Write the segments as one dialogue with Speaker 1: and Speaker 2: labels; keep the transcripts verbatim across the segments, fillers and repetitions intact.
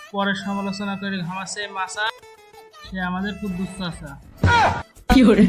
Speaker 1: পরে সমালোচনা করে ঘামাচ্ছে মাসা, সে আমাদের কুদ্দুস চাচা।
Speaker 2: কি করে?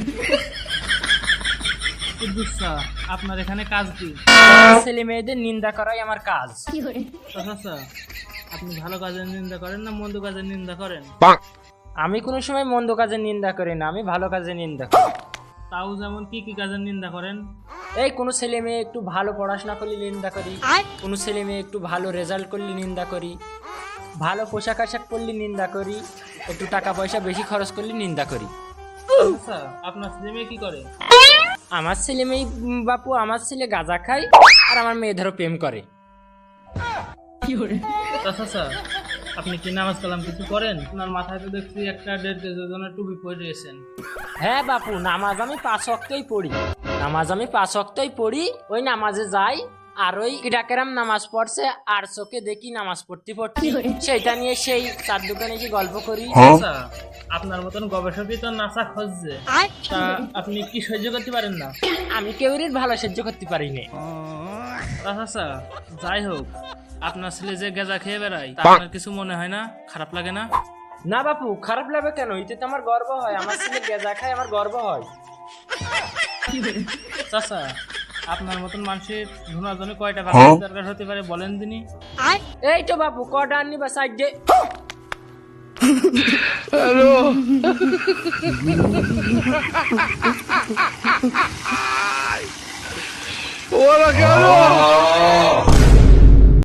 Speaker 1: কুদ্দুস চা, আপনার এখানে কাজ কি?
Speaker 3: ছেলে মেয়েদের নিন্দা করাই আমার কাজ।
Speaker 1: চাচা, আপনি ভালো কাজের নিন্দা করেন না মন্দ কাজের নিন্দা করেন?
Speaker 3: আমি কোনো সময় মন্দ কাজের নিন্দা করি না, আমি ভালো কাজের নিন্দা করি।
Speaker 1: তাও যেমন কি কি কাজের নিন্দা করেন?
Speaker 3: এই কোনো ছেলে মেয়ে একটু ভালো পড়াশোনা করলে নিন্দা করি, কোনো ছেলে মেয়ে একটু ভালো রেজাল্ট করলে নিন্দা করি, ভালো পোশাক আশাক পরলে নিন্দা করি, একটু টাকা পয়সা বেশি খরচ করলে নিন্দা করি।
Speaker 1: আচ্ছা, আপনার ছেলে মেয়ে কি করে?
Speaker 3: আমার ছেলে মেয়ে উম, বাপু, আমার ছেলে গাঁজা খায় আর আমার মেয়ে ধরো প্রেম করে।
Speaker 2: কি করে?
Speaker 1: চাচা, আপনি কি নামাজ কালাম কিছু করেন? আপনার মাথায় তো দেখছি একটা দেড় কেজি ওজনের টুপি পরিয়েছেন।
Speaker 3: হ্যাঁ বাপু, নামাজ আমি পাঁচ ওয়াক্তই পড়ি, নামাজ আমি পাঁচ ওয়াক্তই পড়ি। ওই নামাজে যাই আর ওই কিরাকেরাম নামাজ পড়ছে আর চোখে দেখি নামাজ পড়তে পড়তে সেইটা নিয়ে সেই চার দোকানে গিয়ে গল্প করি।
Speaker 1: আচ্ছা, আপনার মতন গবেষকই তো নাসা খুঁজছে, তা আপনি কি সহ্য করতে পারেন না?
Speaker 3: আমি কেউরির ভালো সহ্য করতে পারি না।
Speaker 1: আচ্ছা, যাই হোক, আপনার ছেলে যে গেজা খেয়ে বেড়ায় তা আপনার কিছু মনে হয় না? খারাপ লাগে না?
Speaker 3: না বাপু, খারাপ লাগবে কেন? এতে তো আমার গর্ব হয়, আমার ছেলে গেজা খায়, আমার গর্ব হয়।
Speaker 1: চাচা, আপনার মতন মানুষের ধুনার জন্য কয়টা দরকার হতে পারে বলেন দিনই?
Speaker 3: এই তো বাপু, কটা আননি বা সাইড দে।
Speaker 4: Hola, cabrón.